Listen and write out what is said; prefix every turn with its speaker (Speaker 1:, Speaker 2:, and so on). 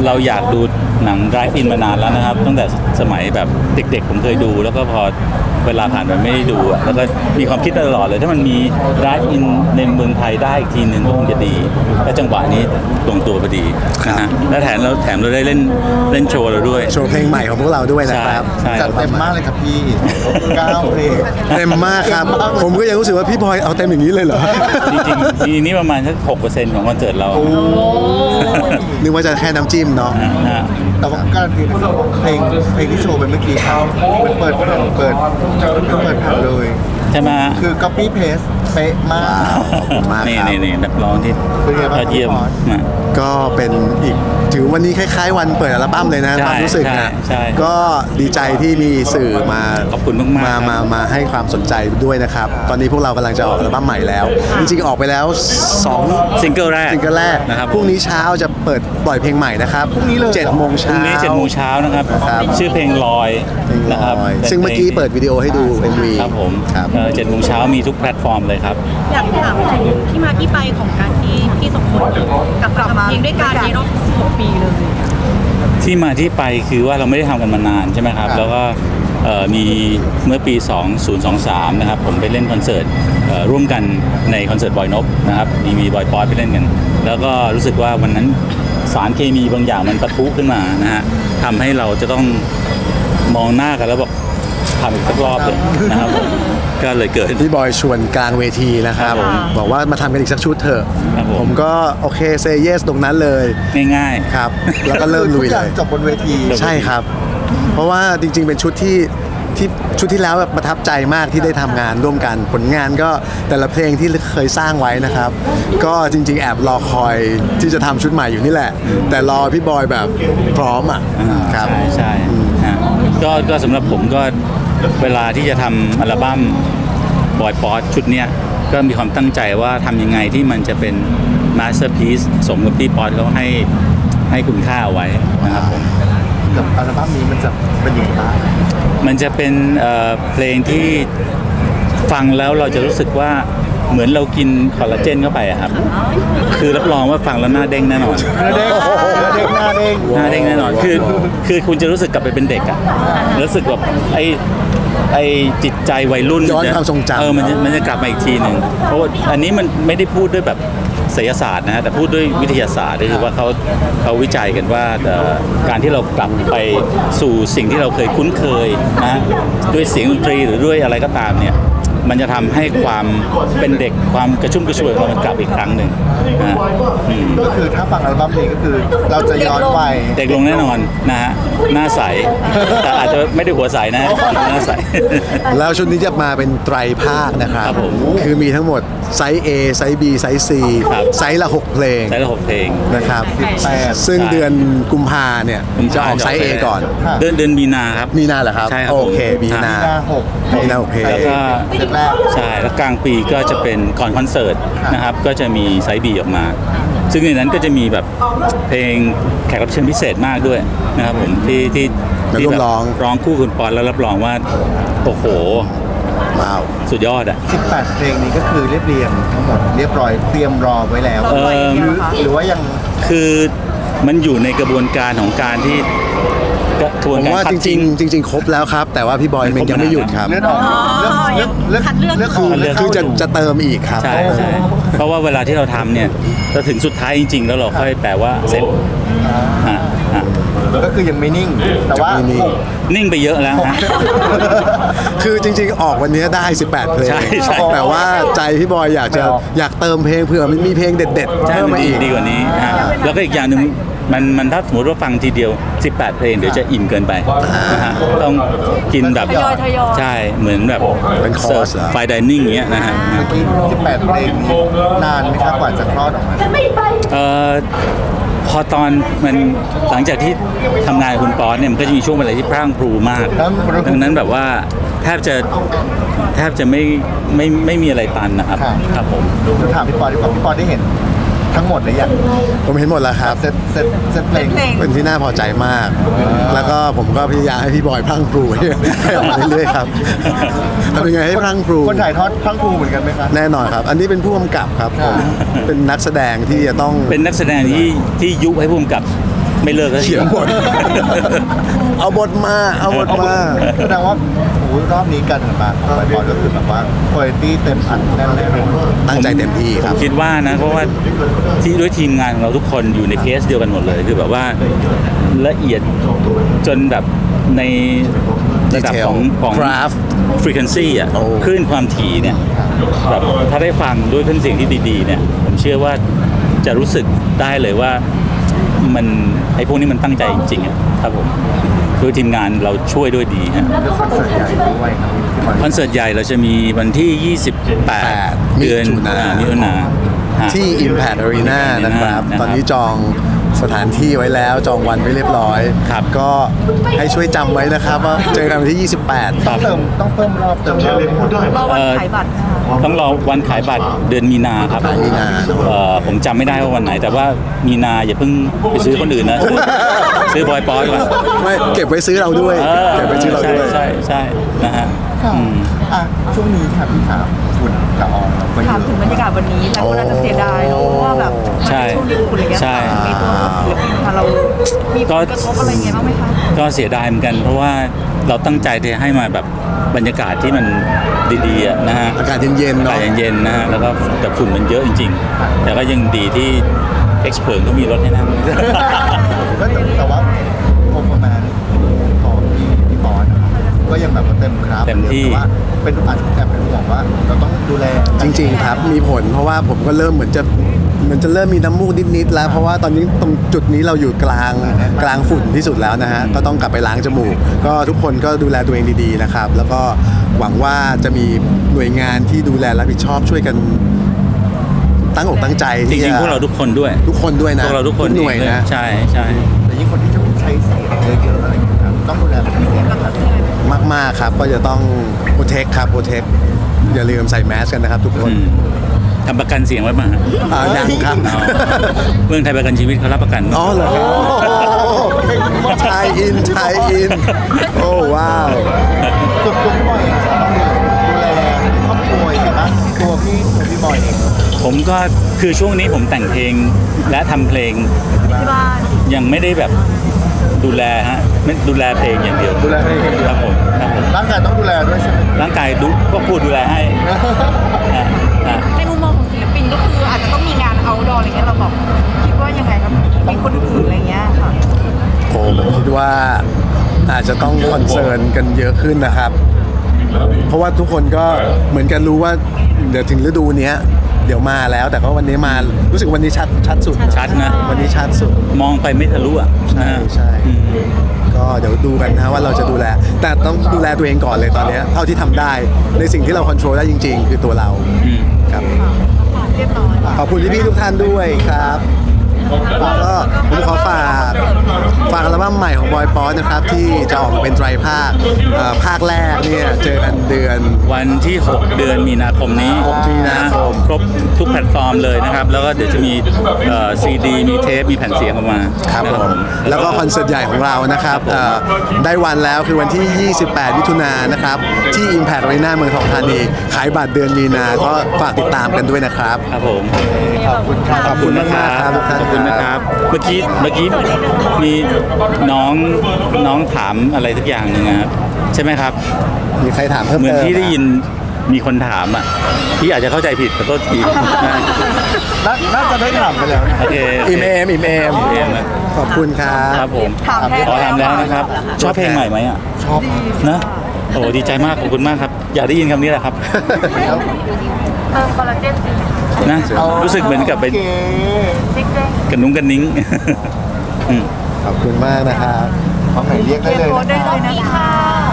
Speaker 1: เราอยากดูหนัง Drive In มานานแล้วนะครับตั้งแต่สมัยแบบเด็กๆผมเคยดูแล้วก็พอเวลาผ่านไปไม่ได้ดูอะแล้วก็มีความคิดตลอดเลยถ้ามันมี Drive In ในเมืองไทยได้อีกทีหนึ่งก็คงจะดีและจังหวะนี้ลงตัวพอดีนะฮะและแถมเราได้เล่นโชว์เราด้วย
Speaker 2: โชว์เพลงใหม่ของพวกเราด้วยนะครับ
Speaker 1: ใช่
Speaker 3: จัดเต็มมากเลยครับพี่9เพลง
Speaker 2: เต็มมากครับ ผมก็ยังรู้สึกว่าพี่บอยเอาเต็มอย่างนี้เลยเหรอ
Speaker 1: จริงๆปีนี้ประมาณสัก 6% ของคอนเสิร์ตเรา
Speaker 2: นึกว่าจะแค่น้ำจิ้มเนาะ
Speaker 1: นะฮะ
Speaker 3: แต่ว่าการันตีนะครับเพลงที่โชว์ไปเมื่อกี้มันเปิดแผ่นเลย
Speaker 1: ใช่ไหมฮะ
Speaker 3: คือ copy paste เป๊ะมาก
Speaker 2: มากครับ
Speaker 1: นี่นักร้องที่
Speaker 3: เป็นไงบ้าง
Speaker 1: ยอดเยี่ยม
Speaker 3: ครับ
Speaker 1: นะ
Speaker 2: ก็เป็นอีกถือวันนี้คล้ายๆวันเปิดอัลบั้มเลยนะ
Speaker 1: ใช่
Speaker 2: ความรู้สึกนะ
Speaker 1: ใช่
Speaker 2: ก็ดีใจที่มีสื่อมา
Speaker 1: ขอบคุณมากๆครับ
Speaker 2: มาให้ความสนใจด้วยนะครับ ตอนนี้พวกเรากำลังจะออกอัลบั้มใหม่แล้ว จริงๆออกไปแล้ว2
Speaker 1: ซิงเกิลแรก
Speaker 2: ซิงเกิลแรก
Speaker 1: นะครับ
Speaker 2: พรุ่งนี้เช้าจะเปิดปล่อยเพลงใหม่นะครับพรุ่งนี้เลย7 โมง
Speaker 1: พรุ่
Speaker 2: เช้าง
Speaker 1: นี้7 โมงเช้านะครับ
Speaker 2: ครับ
Speaker 1: ชื่อเพลงลอย
Speaker 2: เพลง
Speaker 1: นะครับ
Speaker 2: ลอยซึ่งเมื่อกี้เปิดวิดีโอให้ดู MV
Speaker 1: ครับผม
Speaker 2: ครับ
Speaker 1: 7 โมงเช้ามีทุกแพลตฟอร์มเลยครับ
Speaker 4: อยากถามถึงที่มาที่ไปของการที่พี่สมพลกลับมาเพลงด้วยกันในรอบ16 ปีเลย
Speaker 1: ที่มาที่ไปคือว่าเราไม่ได้ทำกันมานานใช่ไหมครับ แล้วก็มีเมื่อปี 2023 นะครับผมไปเล่นคอนเสิร์ตร่วมกันในคอนเสิร์ตบอยนบนะครับมีบอยป๊อตไปเล่นกัน แล้วก็รู้สึกว่าวันนั้นสารเคมีบางอย่างมันปะทุขึ้นมานะฮะทำให้เราจะต้องมองหน้ากันแล้วบอกทำอีกสักรอบเลยนะครับผมก็เลยเกิด
Speaker 2: พี่บอยชวนกลางเวทีนะครับ
Speaker 1: ครับผม
Speaker 2: บอกว่ามาทำกันอีกสักชุดเถอะ
Speaker 1: ครับผม
Speaker 2: ผมก็โอเคเซเยสตรงนั้นเลย
Speaker 1: ง่าย
Speaker 2: ครับ แล้วก็เริ่มลุย
Speaker 3: ทุกอ
Speaker 2: เล
Speaker 3: ย่าง
Speaker 2: ย
Speaker 3: จบบนเวที
Speaker 2: ใช่ครับ เพราะว่าจริงๆเป็นชุดที่ชุดที่แล้วแบบประทับใจมากที่ได้ทำงานร่วมกัน ผลงานก็แต่ละเพลงที่เคยสร้างไว้นะครับ ก็จริงๆแอบรอคอยที่จะทำชุดใหม่อยู่นี่แหละ แต่รอพี่บอยแบบพร้อมอ่ะ
Speaker 1: ๆ
Speaker 2: ครับ
Speaker 1: ใช่ฮะก็สำหรับผมก็เวลาที่จะทำอัลบั้มบอยป๊อตชุดเนี้ยก็มีความตั้งใจว่าทำยังไงที่มันจะเป็นมาสเตอร์พีซสมกับที่ป๊อตเขาให้คุณค่าเอาไว้นะครับผม
Speaker 3: กับอัลบั้มนี้มันจะเป็นยังไงบ้าง
Speaker 1: มันจะเป็นเพลงที่ฟังแล้วเราจะรู้สึกว่าเหมือนเรากินคอลลาเจนเข้าไปอะครับ คือรับรองว่าฟังแล้วหน้าเด้งแน่นอน
Speaker 3: เด้งหน้าเด้ง
Speaker 1: หน้าเด้งแน่นอน คือคุณจะรู้สึกกลับไปเป็นเด็กอะรู้สึกแบบไอ้จิตใจวัยรุ่น
Speaker 2: ย้อนความทรงจำ
Speaker 1: มันจะกลับมาอีกทีหนึ่งเพราะว่าอันนี้มันไม่ได้พูดด้วยแบบไสยศาสตร์นะฮะแต่พูดด้วยวิทยาศาสตร์ก็คือว่าเขาวิจัยกันว่าการที่เรากลับไปสู่สิ่งที่เราเคยคุ้นเคยนะด้วยเสียงดนตรีหรือด้วยอะไรก็ตามเนี่ยมันจะทำให้ความเป็นเด็กความกระชุ่มกระชวยของเรามันกลับอีกครั้งหนึ่งนะอืม
Speaker 3: ก็คือถ้าฟังอัลบั้มนี้ก็คือเราจะย้อนวัย
Speaker 1: เด็กลงแน่นอนนะฮะหน้าใส แต่อาจจะไม่ได้หัวใสนะหน้าใส
Speaker 2: แล้วชุดนี้จะมาเป็นไตรภาคนะครับ
Speaker 1: ครับผม
Speaker 2: คือมีทั้งหมดไซส์ A ไซส์ B ไซส์ C
Speaker 1: ครับ
Speaker 2: ไซส์ละ 6 เพลง
Speaker 1: ใช้ละ6 เพลง
Speaker 2: นะครับ
Speaker 3: 18
Speaker 2: ซึ่ง
Speaker 1: ใช่
Speaker 2: เดือนกุมภาเนี่ยจะออกไซส์ A ก่อน
Speaker 1: เดือนมีนาครับ
Speaker 2: มีนาเหรอครับ
Speaker 1: ใช่ครับ
Speaker 2: โอเค
Speaker 1: ผม
Speaker 2: มีนา
Speaker 3: หน้า6
Speaker 2: มีนา6เพลง
Speaker 1: แล้วก็
Speaker 3: เซตแรก
Speaker 1: ใช่แล้วกลางปีก็จะเป็นก่อนคอนเสิร์ตนะครับก็จะมีไซส์บีออกมา ซึ่งในนั้นก็จะมีแบบเพลงแขกรับเชิญพิเศษมากด้วยนะครับผมที่
Speaker 2: มาร่วม
Speaker 1: แบบ
Speaker 2: ร้อง
Speaker 1: ร้องคู่คุณปอนแล้วรับรองว่าโอ้โห
Speaker 2: ว้าว
Speaker 1: สุดยอดอ่ะ
Speaker 3: 18 เพลงนี้ก็คือเรียงทั้งหมดเรียบร้อยเตรียมรอไว้แล้ว
Speaker 1: เออ
Speaker 3: หรือว่ายัง
Speaker 1: คือมันอยู่ในกระบวนการของการที่กระบวน
Speaker 2: ผม
Speaker 1: การ
Speaker 2: ว่า
Speaker 1: คัด
Speaker 2: จริ
Speaker 1: ทิ้
Speaker 2: ง
Speaker 1: ง
Speaker 2: ๆจริงๆครบแล้วครับ แต่ว่าพี่บอยมันยังไม่หยุดครับ
Speaker 3: เลือดออกเลือด
Speaker 4: คัดเลือก
Speaker 3: เลือดออก
Speaker 1: เลือด
Speaker 2: คือจะเติมอีกครับ
Speaker 1: ใช่ใช่เพราะว่าเวลาที่เราทำเนี่ยเราถึงสุดท้ายจริงๆ แล้วเราค่อยแปลว่าเสร็จอ่ะ
Speaker 3: ก็คือยังไม่นิ่ง แต่ว่า
Speaker 2: ยังไม่นิ่ง
Speaker 1: นิ่งไปเยอะแล้วฮะ
Speaker 2: คือจริงๆ ออกวันนี้ได้ 18 เพลง
Speaker 1: ใช่ใช่
Speaker 2: แต่ว่าใจพี่บอยอยากเติมเพลงเผื่อมันมีเพลงเด็ดๆ
Speaker 1: ใช่
Speaker 2: เพิ่ม
Speaker 1: มัน
Speaker 2: มาอีก
Speaker 1: ดีกว่านี้แล้วก็อีกอย่างหนึ่งมันถ้าสมมติว่าฟังทีเดียว 18 เพลงเดี๋ยวจะอิ่มเกินไปนะฮะต้องกินแบบ
Speaker 4: ทยอย
Speaker 1: ใช่เหมือนแบบ
Speaker 2: เป็นคอร์สเหรอ
Speaker 1: ไฟดิเนิ่งอย่างเงี้ยนะฮะ
Speaker 3: เมื่อกี้18 เพลงนี้นานไหมครับกว่าจะคลอดออกมา
Speaker 1: พอตอนมันหลังจากที่ทำงานกับคุณปอนเนี่ยมันก็จะมีช่วงเวลาที่พรั่งพรูมาก ดังนั้นแบบว่าแทบจะไม่มีอะไรตันนะครับครับผม
Speaker 3: เราถามพี่ปอดีกว่าพี่ปอได้เห็นทั้งหมดหรือยัง
Speaker 2: ผมเห็นหมดแล้วครับ
Speaker 3: เซตเพลง
Speaker 2: เป็นที่น่าพอใจมาก แล้วก็ผมก็พยายามให้พี่บอยพรั่งพรูให้ออกมาเรื่อยๆครับทำยังไงให้พรั่งพรู
Speaker 3: คนถ่ายทอดพรั่งพรูเหมือนกันไหมครับ
Speaker 2: แน่นอนครับ อันนี้เป็นผู้กำกับครับผมเป็นนักแสดงที่จะต้อง
Speaker 1: เป็นนักแสดงที่ยุให้ผู้กำกับไม่เลิกแล้ว
Speaker 2: เขียนบท เอาบทมาเอาบทมา
Speaker 3: แสดงว่าโอ้โหรอบนี้การทำงานของไบบอลก็คือแบบว่าคุณภาพเต็มอัดแน่นแน่นอน
Speaker 2: ตั้งใจเต็มที่ครับ
Speaker 1: คิดว่านะเพราะว่าที่ด้วยทีมงานของเราทุกคนอยู่ในเคสเดียวกันหมดเลยคือแบบว่าละเอียดจนแบบในระดับของ
Speaker 2: Craft
Speaker 1: frequency อ่ะ
Speaker 2: โอ้
Speaker 1: คลื่นความถี่เนี่ยแบบถ้าได้ฟังด้วยเครื่องเสียงที่ดีๆเนี่ยผมเชื่อว่าจะรู้สึกได้เลยว่ามันไอ้พวกนี้มันตั้งใจจริงๆอะครับผมด้วยทีมงานเราช่วยด้วยดีฮะ
Speaker 3: แล้วคอนเสิร์ตใหญ่ด้วยครับที่บอล
Speaker 1: คอนเสิร์ตใหญ่เราจะมีวันที่ 28 เดือน
Speaker 2: มิถุนา
Speaker 1: มิถุนาฮะ
Speaker 2: ที่ Impact Arena นะครับ
Speaker 1: นะครับ
Speaker 2: ตอนนี้จองสถานที่ไว้แล้วจองวันไว้เรียบร้อย
Speaker 1: ครับ
Speaker 2: ก็ให้ช่วยจำไว้นะครับว่าเจอกันวันที่ 28
Speaker 3: ต้องเพิ่มรอบเติมรอบไหมครับ
Speaker 4: รอวันขายบัตรนะคะ
Speaker 1: ต้องรอวันขายบัตรเดือนมีนาครับ
Speaker 2: มีนา
Speaker 1: ผมจำไม่ได้ว่าวันไหน แต่ว่ามีนาอย่าเพิ่งไปซื้อคนอื่นนะ ซื้อบอยปอยก่อน
Speaker 2: ไม่เก็บไว้ซื้อเราด้วย เก็บไว้ซื้อเรา
Speaker 1: ใช่
Speaker 2: ด้วย
Speaker 1: ใช่ใช่นะฮะ
Speaker 3: ค่ะ
Speaker 1: อืม
Speaker 3: อ่ะช่วงนี้ค่ะพี่ถามฝุ่นละอองไปเย
Speaker 4: ถาม
Speaker 3: อะ
Speaker 4: ถึงบรรยากาศวันนี้หลายคนอาจจะเสียดายเนอะเพราะว่าแบบมัน
Speaker 1: ใช่
Speaker 4: เป็นช่วงที่ฝุ่นอะไรเงี้ย
Speaker 1: ใช่
Speaker 4: ในตัวศิลปินค่ะเรามีผลกระทบอะไรเงี้ยบ้างไหมคะ
Speaker 1: ก็เสียดายเหมือนกัน เพราะว่าเราตั้งใจที่จะให้มาแบบบรรยากาศที่มันดีๆอะนะฮะ
Speaker 2: อากาศเย็นๆ
Speaker 1: อา
Speaker 2: เนาะ
Speaker 1: กาศเย็นๆนะฮะแล้วก็แต่ฝุ่นมันเยอะจริงๆ แต่ก็ยังดีที่เอ็กซ์เพรสก็มีรถให้นั่ง
Speaker 3: ก็แต่ว่าโปรโมชั่นของพี่บอลนะครับก็ยังแบบว่าเต็มครับ
Speaker 1: เต็มที่
Speaker 3: แต่ว่าเป็นอาจจะแอบเป็นห่วงว่าเราต้องดูแล
Speaker 2: จริงๆครับมีผลเพราะว่าผมก็เริ่มเหมือนจะเริ่มมีน้ำมูกนิดๆแล้ว เพราะว่าตอนนี้ตรงจุดนี้เราอยู่กลางฝุ่นที่สุดแล้วนะฮะก็ต้องกลับไปล้างจมูก ก็ทุกคนก็ดูแลตัวเองดีๆนะครับ แล้วก็หวังว่าจะมีหน่วยงานที่ดูแลรับผิดชอบช่วยกันตั้งอกตั้งใจ
Speaker 1: จ
Speaker 2: ที่
Speaker 1: ริง
Speaker 2: จะ
Speaker 1: ๆพวกเราทุกคนด้วย
Speaker 2: ทุกคนด้วยนะ
Speaker 1: พวกเราทุกคน
Speaker 2: หน่วยนะ
Speaker 1: ใช่ใช่
Speaker 3: แต่ยิ่งคนที่จะใช้เสียงเยอะๆอะไรอย่างเงี้ยครับต้องดูแลเป็นพิเศษนะครับ
Speaker 2: มากๆครับก็จะต้องโปรเทคครับโปรเทคอย่าลืมใส่แมสกันนะครับทุกคน
Speaker 1: อืมทำประกันเสียงไว้มา
Speaker 2: ยังครับ
Speaker 1: อ๋อเมืองไทยประกันชีวิตเขารับประกัน
Speaker 2: อ๋อเหรอไทยอินโอ้ว้าว
Speaker 3: ส่วนตัวพี่บอยเองต้องดูแลครอบครัวยังไงบ้างตัวพี่บอยเอง
Speaker 1: ผมก็คือช่วงนี้ผมแต่งเพลงและทำเพลง
Speaker 4: ที่บ้าน
Speaker 1: ยังไม่ได้แบบดูแลฮะไม่ดูแลเพลงอย่างเดียว
Speaker 3: ดูแลเพลงอย่างเดียว
Speaker 1: ครับผมครับผม
Speaker 3: ร่างกายต้องดูแลด้วยใช่ไหม
Speaker 1: ร่างกายก็พูดดูแลให้ฮะฮะ
Speaker 4: ในมุมมองของศิลปินก็คืออาจจะต้องมีงานเอาท์ดอร์อะไรเงี้ยเราบอกคิดว่ายังไงครับมีคนอื่นอะไรเงี้ยค่ะ
Speaker 2: ผมคิดว่าอาจจะต้องคอนเซิร์นกันเยอะขึ้นนะครับ เพราะว่าทุกคนก็เหมือนกันรู้ว่าเดี๋ยวถึงฤดูเนี้ยเดี๋ยวมาแล้ว แต่ก็วันนี้มารู้สึกวันนี้ชัดสุด
Speaker 1: ชัดนะ
Speaker 2: วันนี้ชัดสุด
Speaker 1: มองไปไม่ทะลุอ่ะ
Speaker 2: ใช่
Speaker 1: นะ
Speaker 2: ใช่
Speaker 1: อืม
Speaker 2: ก็เดี๋ยวดูกันนะว่าเราจะดูแล แต่ต้องดูแลตัวเองก่อนเลยตอนเนี้ยเท่าที่ทำได้ในสิ่งที่เราควบคุมได้จริง ๆ คือตัวเรา
Speaker 1: อืม
Speaker 2: ครับ
Speaker 4: เรียบร้อย
Speaker 2: ขอบคุณพี่ๆทุกท่านด้วยครับก็ผมขอฝากอัลบั้มใหม่ของบอยป๊อตนะครับที่จะออกมาเป็นไตรภาคภาคแรกเนี่ยเจอกันเดือน
Speaker 1: วันที่ 6 เดือนมีนาคมนี้
Speaker 2: 6 มีนาคม
Speaker 1: ครบทุกแพลตฟอร์มเลยนะครับ แล้วก็เดี๋ยวจะมีซีดี มีเทป มีแผ่นเสียงออกมา
Speaker 2: ครับ
Speaker 1: นะ
Speaker 2: ผมแล้วก็คอนเสิร์ตใหญ่ของเรานะครับได้วันแล้วคือวันที่ 28 มิถุนายนนะครับที่ Impact Arena เมืองทองธานีขายบัตรเดือนมีนาก็ฝากติดตามกันด้วยนะครับ
Speaker 1: ครับผม
Speaker 3: ขอบคุณครับ
Speaker 2: ขอบคุณมากๆครับทุกท่าน
Speaker 1: ขอบคุณนะครับ เมื่อกี้มีน้องถามอะไรทุกอย่างหนึงนะครับใช่ไหมครับ
Speaker 2: มีใครถามเพิ่ม
Speaker 1: เหมือน
Speaker 2: เติม
Speaker 1: ที่ได้ยินมีคนถามอ่ะพี่อาจจะเข้าใจผิดขอโทษทีนะ
Speaker 3: น่าจะได้ถามไปแล้วนะ
Speaker 1: โอเค
Speaker 2: อิมเอม
Speaker 1: เอมนะ
Speaker 2: ขอบคุณครับ
Speaker 1: ครับผม
Speaker 4: ถามแทน
Speaker 1: ขอถามแล้วนะครับ ชอบเพลงใหม่ไหมอ่ะ
Speaker 3: ชอบ
Speaker 1: นะโอ้ดีใจมากขอบคุณมากครับ อยากได้ยินคำนี้แหละครับ
Speaker 4: เติมคอลลาเจนสิ
Speaker 1: นะรู้สึกเหมือนกับเป็น
Speaker 3: โอเค
Speaker 4: เจ๊ง
Speaker 1: กระนุ้งกระนิ้ง อืม
Speaker 2: ขอบคุณมากนะครับ
Speaker 3: ของไหนเรียกได้เลย
Speaker 4: โพส
Speaker 3: นะ
Speaker 4: ได้
Speaker 3: ค
Speaker 4: เล
Speaker 3: รับ
Speaker 4: ยนะคะ